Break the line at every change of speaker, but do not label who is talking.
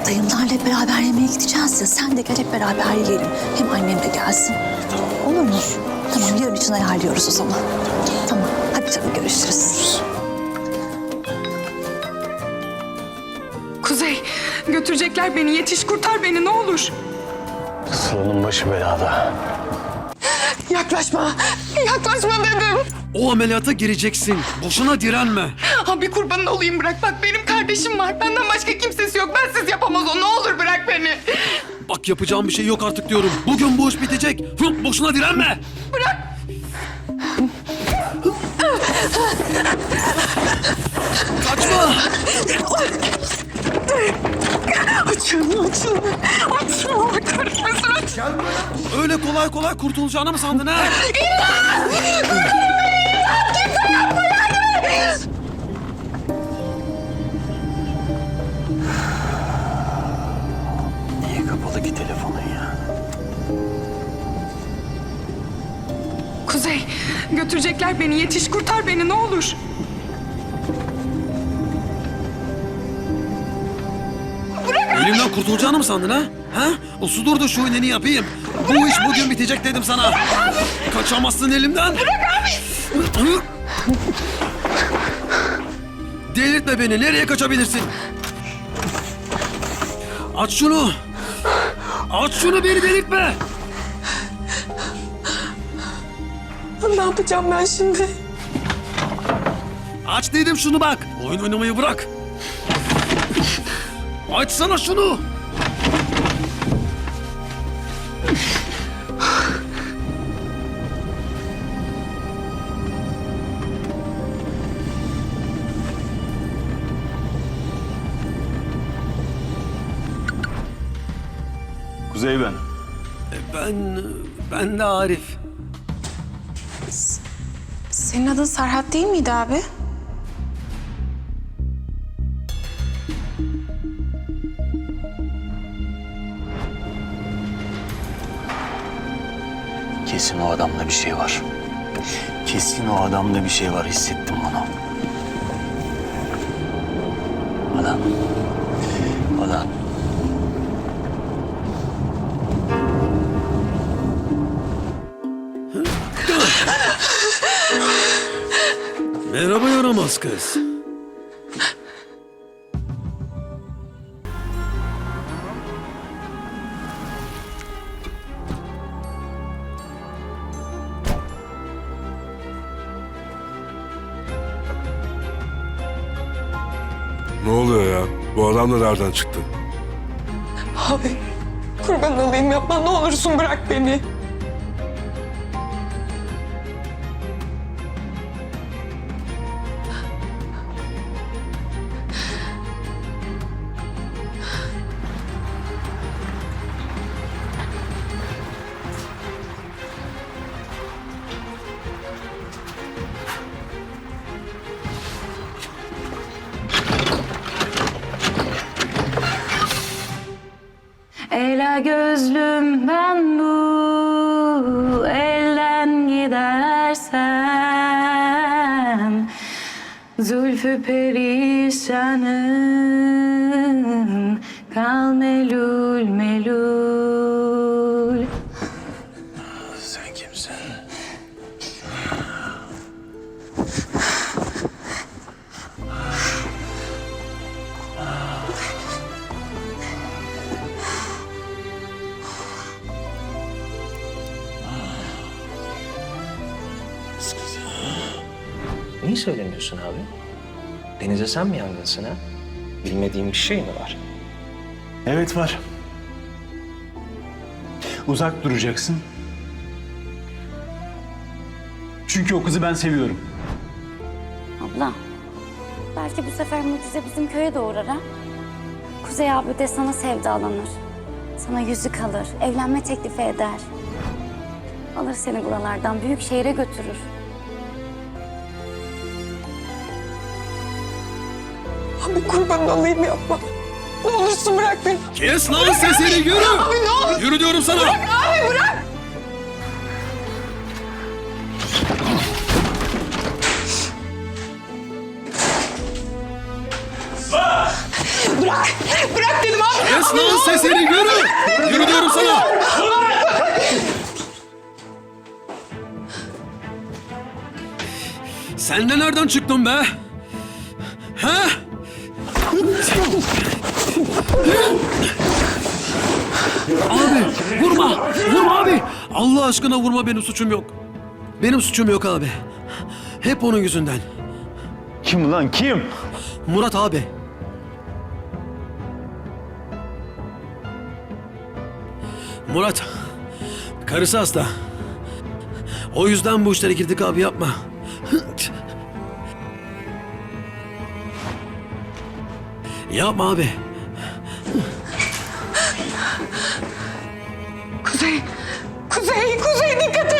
Dayımlarla hep beraber yemeğe gideceğiz ya. Sen de gel, hep beraber yiyelim. Hem annem de gelsin. Olur mu? Tamam, yarın için ayarlıyoruz o zaman. Tamam. Hadi canım, görüşürüz.
Kuzey, götürecekler beni. Yetiş, kurtar beni ne olur.
Sıranın başı belada.
Yaklaşma. Yaklaşma dedim.
O ameliyata gireceksin. Boşuna direnme.
Abi kurbanın olayım, bırak. Bak benim kardeşim var. Benden başka kimsesi yok. Bensiz yapamaz o. Ne olur bırak beni.
Bak yapacağım bir şey yok artık diyorum. Bugün bu iş bitecek. Boşuna direnme.
Bırak.
Kaçma.
Açın. Allah kahretmesin, aç.
Öyle kolay kolay kurtulacağını mı sandın ha?
Niye kapalı ki telefonun ya?
Kuzey, götürecekler beni. Yetiş, kurtar beni ne olur.
Elimden kurtulacağını mı sandın ha? Ha? Uslu dur da şu iğneni yapayım. Bu iş bugün bitecek dedim sana. Kaçamazsın elimden. Bırak abi. Delirtme beni. Nereye kaçabilirsin? Aç şunu. Aç şunu, beni delirtme.
Ne yapacağım ben şimdi?
Aç dedim şunu bak. Oyun oynamayı bırak. Açsana şunu.
Kuzey ben.
Ben de Arif.
Senin adın Serhat değil miydi abi?
Kesin o adamda bir şey var. Kesin o adamda bir şey var. Hissettim onu. Adam.
Merhaba yaramaz kız.
Ne oluyor ya? Bu adam da nereden çıktı?
Abi, kurban olayım, yapma. Ne olursun bırak beni.
Ela gözlüm ben bu elden gidersem Zülfü perişanım kal melul melul.
Sen kimsin?
Niye söylemiyorsun abi? Denize sen mi yangınsın ha? Bilmediğim bir şey mi var?
Evet var. Uzak duracaksın. Çünkü o kızı ben seviyorum.
Abla, belki bu sefer mucize bizim köye de uğrar ha? Kuzey abi de sana sevdalanır. Sana yüzük alır, evlenme teklifi eder. Alır seni buralardan, büyük şehre götürür.
Abi kurban olayım, yapma. Ne olursun bırak beni.
Kes lan sesini, yürü.
Abi ne olur.
Yürü diyorum sana.
Bırak abi, bırak. Bırak dedim abi.
Kes Kes lan sesini, yürü! Yürü diyorum sana! Sen de nereden çıktın be? Ha? Abi vurma! Vurma abi! Allah aşkına vurma, benim suçum yok. Benim suçum yok abi. Hep onun yüzünden.
Kim lan kim?
Murat abi. Murat, karısı hasta. O yüzden bu işlere girdik abi, yapma. Yapma abi.
Kuzey, Kuzey, Kuzey dikkat et.